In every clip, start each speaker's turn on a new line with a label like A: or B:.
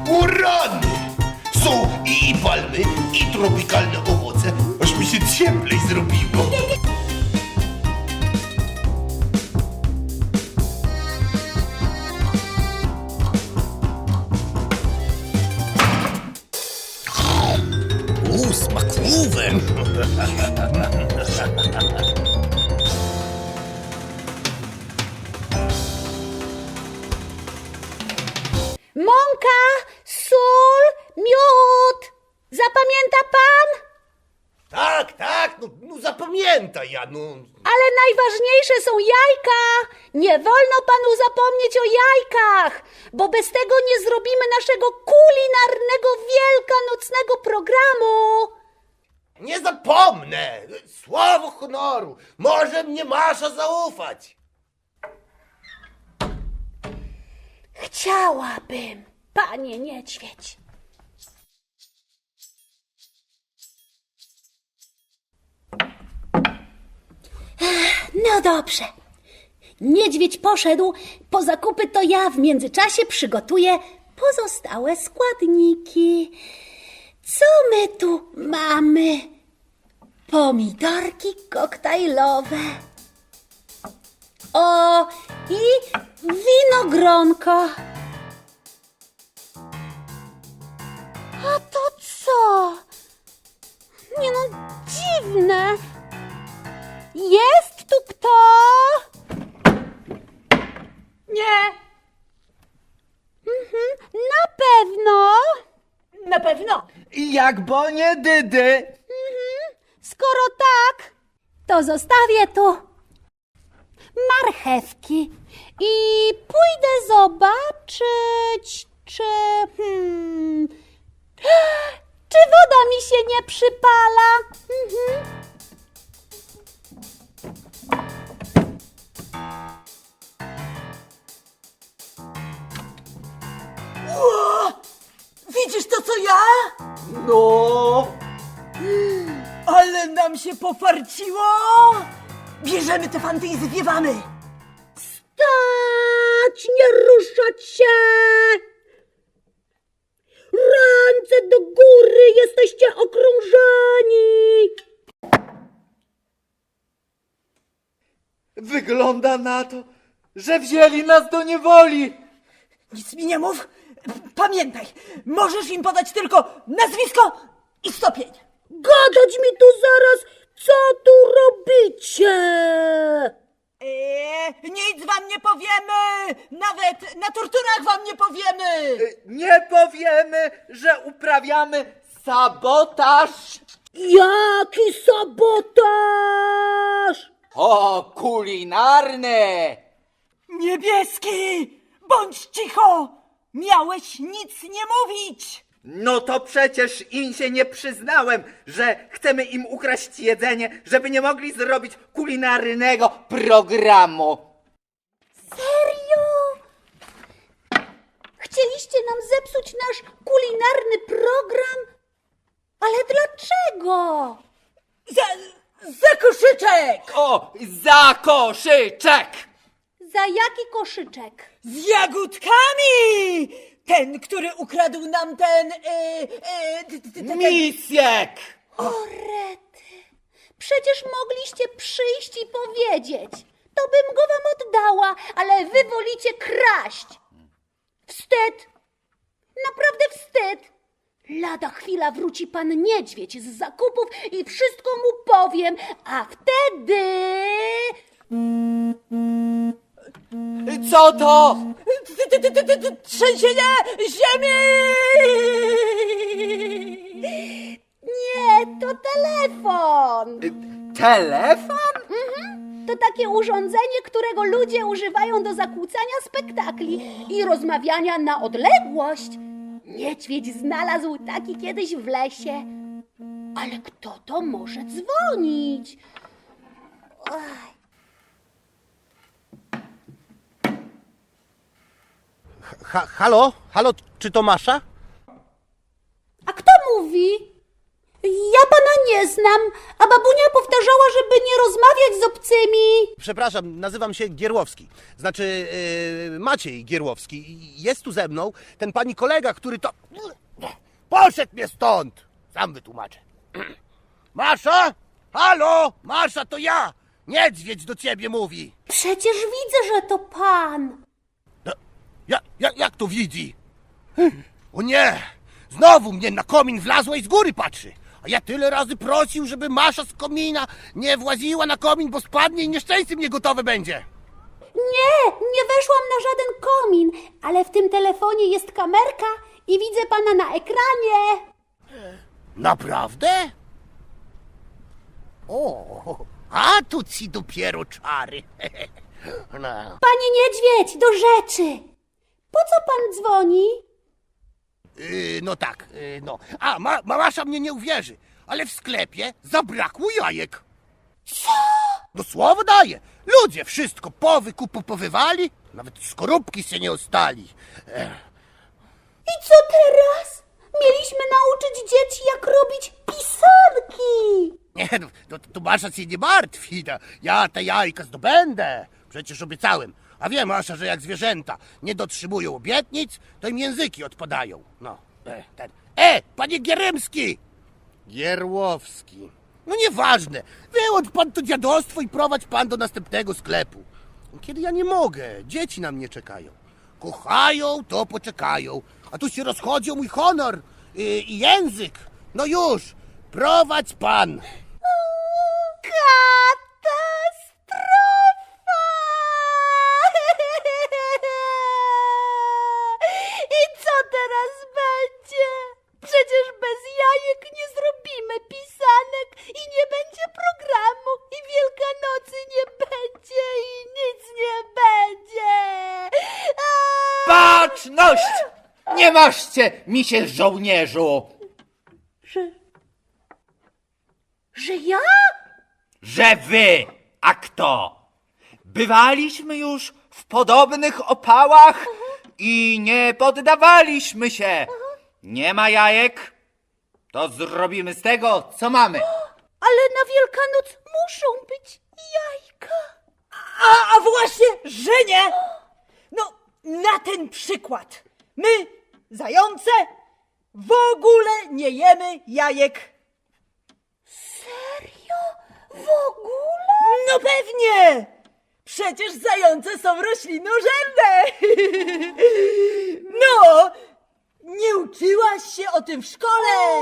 A: O rany! Są i palmy, i tropikalne owoce, aż mi się cieplej zrobiło. Smakówek!
B: Mąka, sól, miód. Zapamięta pan?
A: Tak, no zapamiętaj, no.
B: Ale najważniejsze są jajka. Nie wolno panu zapomnieć o jajkach, bo bez tego nie zrobimy naszego kulinarnego wielkanocnego programu.
A: Nie zapomnę! Słowo honoru! Może mnie Masza zaufać!
B: Chciałabym, panie niedźwiedź. No dobrze. Niedźwiedź poszedł po zakupy, to ja w międzyczasie przygotuję pozostałe składniki. Co my tu mamy? Pomidorki koktajlowe. O, i winogronko. A to co? Nie no, dziwne. Jest tu kto? Nie. Na pewno.
C: Na pewno.
D: Jak bo nie dydy.
B: Skoro tak, to zostawię tu marchewki i pójdę zobaczyć, czy woda mi się nie przypala.
C: Widzisz to, co ja?
D: No.
C: Ale nam się pofarciło! Bierzemy te fanty i zwiewamy!
B: Stać, nie ruszać się! Ręce do góry, jesteście okrążeni!
D: Wygląda na to, że wzięli nas do niewoli.
C: Nic mi nie mów! Pamiętaj, możesz im podać tylko nazwisko i stopień!
B: Gadać mi tu zaraz, co tu robicie?
C: Nic wam nie powiemy! Nawet na torturach wam nie powiemy!
D: Nie powiemy, że uprawiamy sabotaż.
B: Jaki sabotaż?
D: O, kulinarny.
C: Niebieski! Bądź cicho! Miałeś nic nie mówić!
D: No to przecież im się nie przyznałem, że chcemy im ukraść jedzenie, żeby nie mogli zrobić kulinarnego programu.
B: Serio? Chcieliście nam zepsuć nasz kulinarny program? Ale dlaczego?
C: Za koszyczek!
D: O, za koszyczek!
B: Za jaki koszyczek?
C: Z jagódkami! Ten, który ukradł nam ten...
D: Misiek!
B: O rety, przecież mogliście przyjść i powiedzieć. To bym go wam oddała, ale wy wolicie kraść. Wstyd, naprawdę wstyd. Lada chwila wróci pan niedźwiedź z zakupów i wszystko mu powiem, a wtedy...
D: Co to?
C: Trzęsienie ziemi!
B: Nie, to telefon.
D: Telefon?
B: To takie urządzenie, którego ludzie używają do zakłócania spektakli i rozmawiania na odległość. Niedźwiedź znalazł taki kiedyś w lesie. Ale kto to może dzwonić? Oj.
A: Halo? Halo, czy to Masza?
B: A kto mówi? Ja pana nie znam, a babunia powtarzała, żeby nie rozmawiać z obcymi.
E: Przepraszam, nazywam się Gierłowski. Znaczy Maciej Gierłowski. Jest tu ze mną ten pani kolega, który to... Poszedł mnie stąd! Sam wytłumaczę. Masza? Halo? Masza, to ja! Niedźwiedź do ciebie mówi.
B: Przecież widzę, że to pan.
E: No, jak to widzi? O nie! Znowu mnie na komin wlazła i z góry patrzy. A ja tyle razy prosił, żeby Masza z komina nie właziła na komin, bo spadnie i nieszczęście mnie gotowe będzie.
B: Nie weszłam na żaden komin, ale w tym telefonie jest kamerka i widzę pana na ekranie.
E: Naprawdę? O, a tu ci dopiero czary. No.
B: Panie niedźwiedź, do rzeczy. Po co pan dzwoni?
E: No tak, no. A, Masza mnie nie uwierzy, ale w sklepie zabrakło jajek.
B: Co?
E: No słowo daję. Ludzie wszystko powywali, nawet skorupki się nie ostali.
B: I co teraz? Mieliśmy nauczyć dzieci, jak robić pisanki.
E: Nie, to Masza się nie martwi. No. Ja te jajka zdobędę. Przecież obiecałem. A wiem, Masza, że jak zwierzęta nie dotrzymują obietnic, to im języki odpadają. No, panie Gierymski! Gierłowski. No nieważne. Wyłącz pan to dziadostwo i prowadź pan do następnego sklepu. Kiedy ja nie mogę, dzieci na mnie czekają. Kochają, to poczekają. A tu się rozchodzi o mój honor i język. No już, prowadź pan.
B: Katastrofa! I co teraz będzie? Przecież bez jajek nie zrobimy pisanek i nie będzie programu i Wielkanocy nie będzie i nic nie będzie.
D: Baczność! Nie maszcie mi się, żołnierzu!
B: Że ja?
D: Że wy, a kto? Bywaliśmy już w podobnych opałach i nie poddawaliśmy się. Nie ma jajek? To zrobimy z tego, co mamy.
B: Ale na Wielkanoc muszą być jajka.
C: A właśnie, że nie! No, na ten przykład. My, zające, w ogóle nie jemy jajek.
B: Serio? W ogóle?
C: No pewnie! Przecież zające są roślinożerne! No! Nie uczyłaś się o tym w szkole!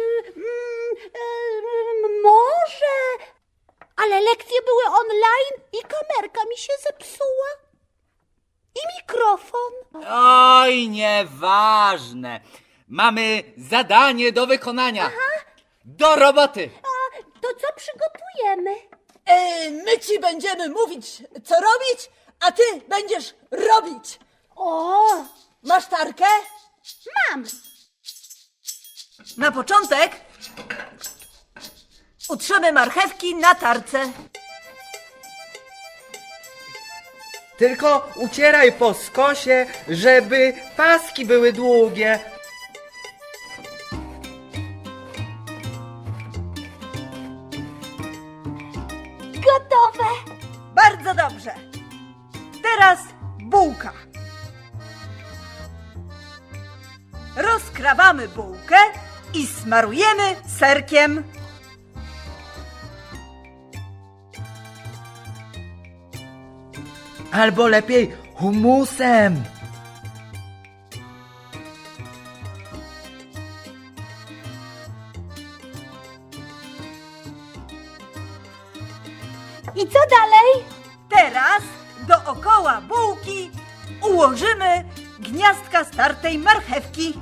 B: Może, ale lekcje były online i kamerka mi się zepsuła. I mikrofon.
D: Oj, nieważne. Mamy zadanie do wykonania. Do roboty.
B: A to co przygotujemy?
C: My ci będziemy mówić, co robić, a ty będziesz robić.
B: O,
C: Masz tarkę?
B: mam.
C: Na początek utrzemy marchewki na tarce.
D: Tylko ucieraj po skosie, żeby paski były długie.
B: Gotowe.
C: Bardzo dobrze. Teraz bułka. Rozkrawamy bułkę i smarujemy serkiem.
D: Albo lepiej humusem.
B: I co dalej?
C: Teraz dookoła bułki ułożymy gniazdka startej marchewki.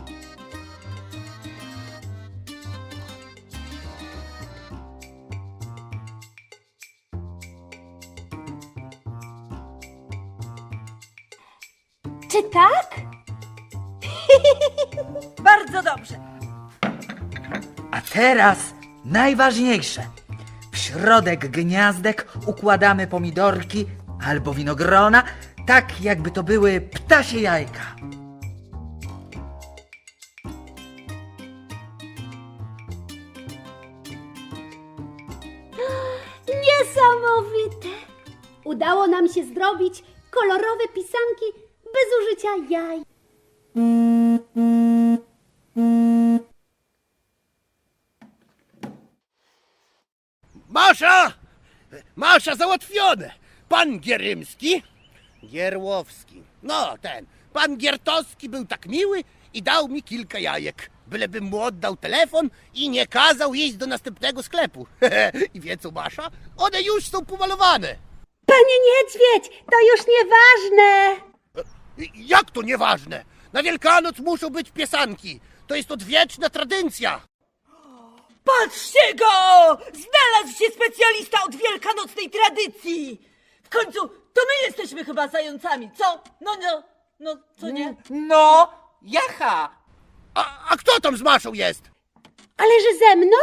B: Czy tak?
C: Bardzo dobrze.
F: A teraz najważniejsze. W środek gniazdek układamy pomidorki albo winogrona, tak jakby to były ptasie jajka.
B: Niesamowite! Udało nam się zrobić kolorowe pisanki bez użycia jaj.
E: Masza! Masza, załatwione! Pan Gierymski, Gierłowski, no ten, pan Giertowski był tak miły i dał mi kilka jajek. Bylebym mu oddał telefon i nie kazał iść do następnego sklepu. I wie co, Masza? One już są pomalowane.
B: Panie Niedźwiedź, to już nieważne!
E: Jak to nieważne? Na Wielkanoc muszą być piesanki. To jest odwieczna tradycja.
C: Patrzcie go! Znalazł się specjalista od wielkanocnej tradycji! W końcu to my jesteśmy chyba zającami, co? No, co nie?
F: No, jacha!
E: A kto tam z Maszą jest?
B: Ale że ze mną?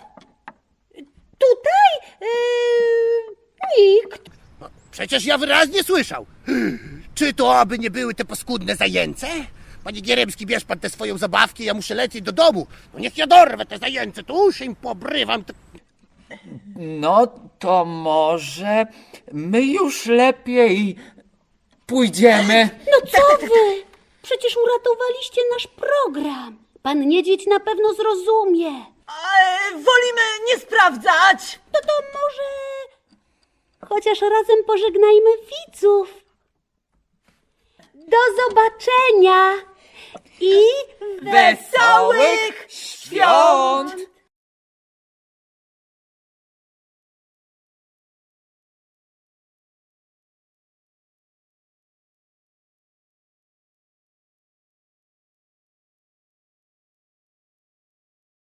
B: Tutaj? Nikt.
E: Przecież ja wyraźnie słyszał. Czy to aby nie były te paskudne zajęce? Panie Gierymski, bierz pan tę swoją zabawkę, ja muszę lecieć do domu. No niech ja dorwę te zajęce, to uszy im pobrywam.
F: No to może my już lepiej pójdziemy.
B: No co wy? Przecież uratowaliście nasz program. Pan Niedźwiedź na pewno zrozumie.
C: Wolimy nie sprawdzać!
B: No to może... Chociaż razem pożegnajmy widzów. Do zobaczenia i
C: Wesołych świąt!